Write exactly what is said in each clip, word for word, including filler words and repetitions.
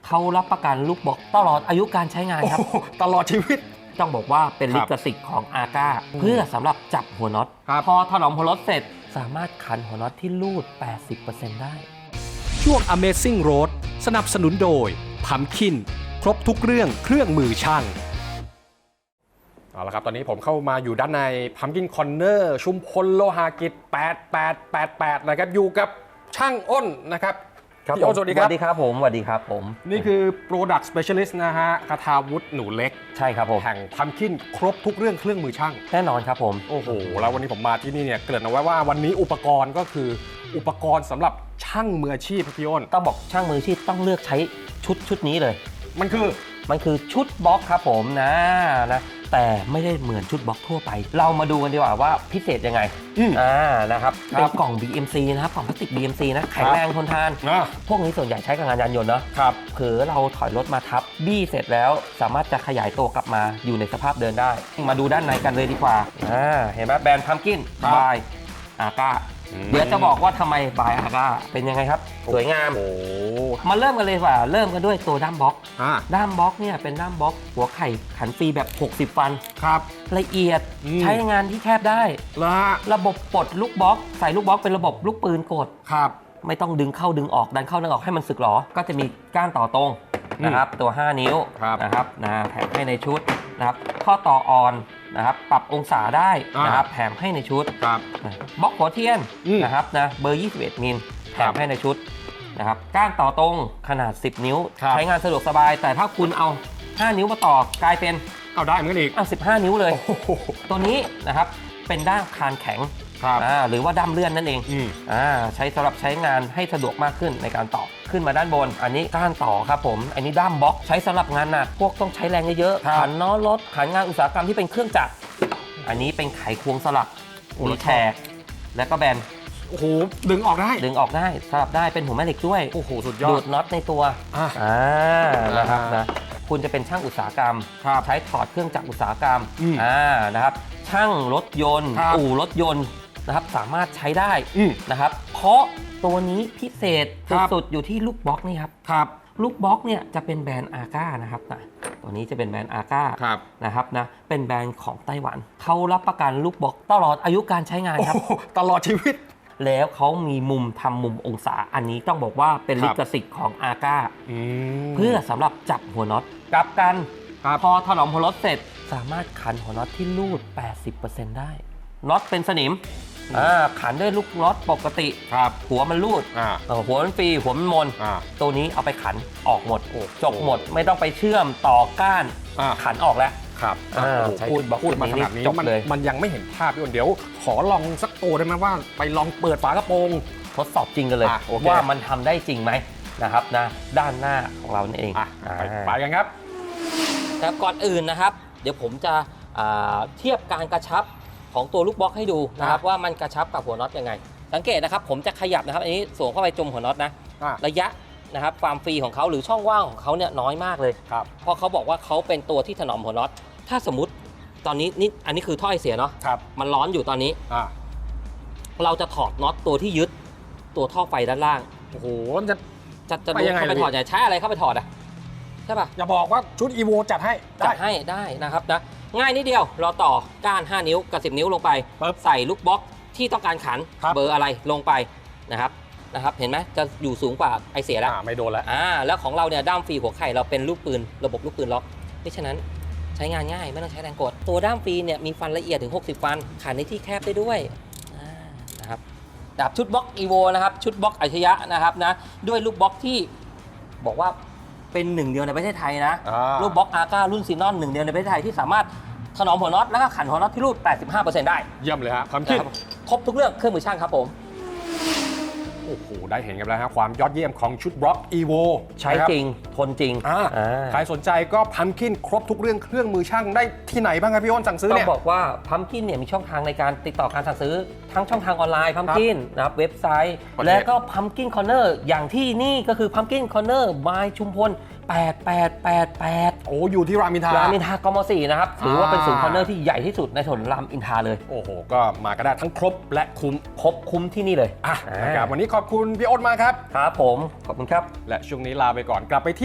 เขารับประกันลูกบล็อกตลอดอายุการใช้งานครับตลอดชีวิตต้องบอกว่าเป็นลิขสิทธิ์ของอาก้าเพื่อสำหรับจับหัวน็อตพอถนอมหัวน็อตเสร็จสามารถขันหัวน็อตที่รูด แปดสิบเปอร์เซ็นต์ ได้ช่วง Amazing Road สนับสนุนโดย Pumpkin ครบทุกเรื่องเครื่องมือช่างเอาละครับตอนนี้ผมเข้ามาอยู่ด้านใน Pumpkin Corner ชุมพลโลหากิจแปดแปดแปดแปดนะครับอยู่กับช่างอ้นนะครับพี่อ้นสวัสดีครับสวัสดีครับผมสวัสดีครับผมนี่คือ Product Specialist นะฮะคทาวุฒิหนูเล็กใช่ครับผมแห่ง Pumpkin ครบทุกเรื่องเครื่องมือช่างแน่นอนครับผมโอ้โหแล้ววันนี้ผมมาที่นี่เนี่ยเกริ่นเอาไว้ว่าวันนี้อุปกรณ์ก็คืออุปกรณ์สำหรับช่างมืออาชีพพี่อ้นต้องบอกช่างมืออาชีพต้องเลือกใช้ชุดชุดนี้เลยมันคือมันคือชุดบล็อกครับผมนะนะแต่ไม่ได้เหมือนชุดบล็อกทั่วไปเรามาดูกันดีกว่าว่าพิเศษยังไงอ่านะครับเป็นกล่อง บี เอ็ม ซี นะครับกล่องพลาสติก บี เอ็ม ซี นะแข็งแรงทนทานพวกนี้ส่วนใหญ่ใช้กับงานยานยนต์เนาะครับเผลอเราถอยรถมาทับบี้เสร็จแล้วสามารถจะขยายตัวกลับมาอยู่ในสภาพเดินได้มาดูด้านในกันเลยดีกว่าอ่าเห็นไหมแบรนด์ Pumpkin บายอาก้าเดี๋ยวจะบอกว่าทำไมบายอาก้าเป็นยังไงครับสวยงามมาเริ่มกันเลยว่าเริ่มกันด้วยตัวด้ามบล็อกด้ามบล็อกเนี่ยเป็นด้ามบล็อกหัวไข่ขันฟรีแบบหกสิบฟันครับละเอียดใช้งานที่แคบได้ระบบปลดลูกบล็อกใส่ลูกบล็อกเป็นระบบลูกปืนกดครับไม่ต้องดึงเข้าดึงออกดันเข้าดึงออกให้มันสึกหรอก็จะมีก้านต่อตรงนะครับตัวห้านิ้วนะครับนะแถมให้ในชุดนะครับข้อต่ออ่อนนะครับปรับองศาได้นะครับแถมให้ในชุดบล็อกหัวเทียนนะครับนะเบอร์ยี่สิบเอ็ดมิลแถมให้ในชุดนะครับก้านต่อตรงขนาดสิบนิ้วใช้งานสะดวกสบายแต่ถ้าคุณเอาห้านิ้วมาต่อกลายเป็นเอาได้เหมือนกันอีกเอาสิบห้านิ้วเลยตัวนี้นะครับเป็นด้ามคานแข็งหรือว่าด้ามเลื่อนนั่นเองอ่าใช้สำหรับใช้งานให้สะดวกมากขึ้นในการต่อขึ้นมาด้านบนอันนี้ก้านต่อครับผมอันนี้ด้ามบล็อกใช้สำหรับงานหนักพวกต้องใช้แรงเยอะๆขันล้อรถขันงานอุตสาหกรรมที่เป็นเครื่องจักรอันนี้เป็นไขควงสลักมีแฉกและก็แบนโอ้โหดึงออกได้ดึงออกได้สลับได้เป็นหัวแม่เหล็กด้วยโอ้โหสุดยอดดูดน็อตในตัวอ่านะครับนะคุณจะเป็นช่างอุตสาหกรรมใช้ถอดเครื่องจักรอุตสาหกรรมอ่านะครับช่างรถยนต์อู่รถยนต์นะครับสามารถใช้ได้นะครับเพราะตัวนี้พิเศษสุดๆอยู่ที่ลูกบล็อกนี่ครับครับลูกบล็อกเนี่ยจะเป็นแบรนด์อาก้านะครับนะตัวนี้จะเป็นแบรนด์อาก้านะครับนะเป็นแบรนด์ของไต้หวันเขารับประกันลูกบล็อกตลอดอายุการใช้งานครับตลอดชีวิตแล้วเขามีมุมทำมุมองศาอันนี้ต้องบอกว่าเป็นลิขสิทธิ์ของอาก้าเพื่อสำหรับจับหัวน็อตกลับกันพอถนอมหัวน็อตเสร็จสามารถขันหัวน็อตที่รูด แปดสิบเปอร์เซ็นต์ ได้น็อตเป็นสนิมขันด้วยลูกน็อตปกติหัวมันรูดหัวมันฟรีหัวมันมนตัวนี้เอาไปขันออกหมดจบหมดไม่ต้องไปเชื่อมต่อก้านขันออกแล้วครับพูดพูดมาขนาดนี้มันมันยังไม่เห็นภาพพี่อ้นเดี๋ยวขอลองสักตัวได้ไหมว่าไปลองเปิดฝากระโปรงทดสอบจริงกันเลยว่ามันทำได้จริงไหมนะครับนะด้านหน้าของเราเองไปกันครับแต่ก่อนอื่นนะครับเดี๋ยวผมจะเทียบการกระชับของตัวลูกบล็อกให้ดูนะครับว่ามันกระชับกับหัวน็อตยังไงสังเกตนะครับผมจะขยับนะครับอันนี้สวมเข้าไปจมหัวน็อตนะระยะนะครับความฟรีของเขาหรือช่องว่างของเขาเนี่ยน้อยมากเลยเพราะเขาบอกว่าเขาเป็นตัวที่ถนอมหัวน็อตถ้าสมมติตอนนี้นี่อันนี้คือท่อไอเสียเนาะมันร้อนอยู่ตอนนี้เราจะถอดน็อตตัวที่ยึดตัวท่อไฟด้านล่างโอ้โหจะจะจะดูเข้าไปถอดจะใช้อะไรเข้าไปถอดอ่ะใช่ป่ะอย่าบอกว่าชุด อี โว จัดให้จัดให้ได้นะครับนะง่ายนิดเดียวเราต่อก้านห้านิ้วกับสิบนิ้วลงไปใส่ลูกบล็อกที่ต้องการขันเบอร์อะไรลงไปนะครับนะครับเห็นไหมจะอยู่สูงกว่าไอเสียแล้วไม่โดนแล้วอ่าแล้วของเราเนี่ยด้ามฟรีหัวไข่เราเป็นลูกปืนระบบลูกปืนล็อกเพราะฉะนั้นใช้งานง่ายไม่ต้องใช้แรงกดตัวด้ามฟรีเนี่ยมีฟันละเอียดถึงหกสิบฟันขันในที่แคบได้ด้วยนะครับดับชุดบล็อก อี โว นะครับชุดบล็อกอัจฉริยะนะครับนะด้วยลูกบล็อกที่บอกว่าเป็นหนึ่งเดียวในประเทศไทยนะลูกบล็อกอาก้ารุ่นซีนอนหนึ่งเดียวในประเทศไทยที่สามารถถนอมหัวน็อตแล้วก็ขันหัวน็อตที่รูด แปดสิบห้าเปอร์เซ็นต์ ได้เยี่ยมเลยฮะความคิดครบทุกเรื่องเครื่องมือช่างครับผมโอ้โหได้เห็นกันแล้วครับความยอดเยี่ยมของชุดบล็อก อี โวใช้จริงทนจริงใครสนใจก็พัมคินครบทุกเรื่องเครื่องมือช่างได้ที่ไหนบ้างครับพี่อ้นสั่งซื้อเนี่ยต้องบอกว่าพัมคินเนี่ยมีช่องทางในการติดต่อการสั่งซื้อทั้งช่องทางออนไลน์พัมคินนะครับเว็บไซต์และก็พัมคินคอร์เนอร์อย่างที่นี่ก็คือพัมคินคอร์เนอร์บายชุมพลแปดแปดแปดแปดโอ้อยู่ที่รามอินทรารามอินทรากม.สี่นะครับถือว่าเป็นศูนย์คอร์เนอร์ที่ใหญ่ที่สุดในถนนรามอินทราเลยโอ้โหก็มาก็ได้ทั้งครบและคุ้มครบคุ้มที่นี่เลยอ่ะนะครับวันนี้ขอบคุณพี่อ้นมากครับครับผมขอบคุณครับและช่วงนี้ลาไปก่อนกลับไปที่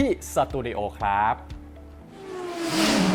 ที่สตูดิโอครับ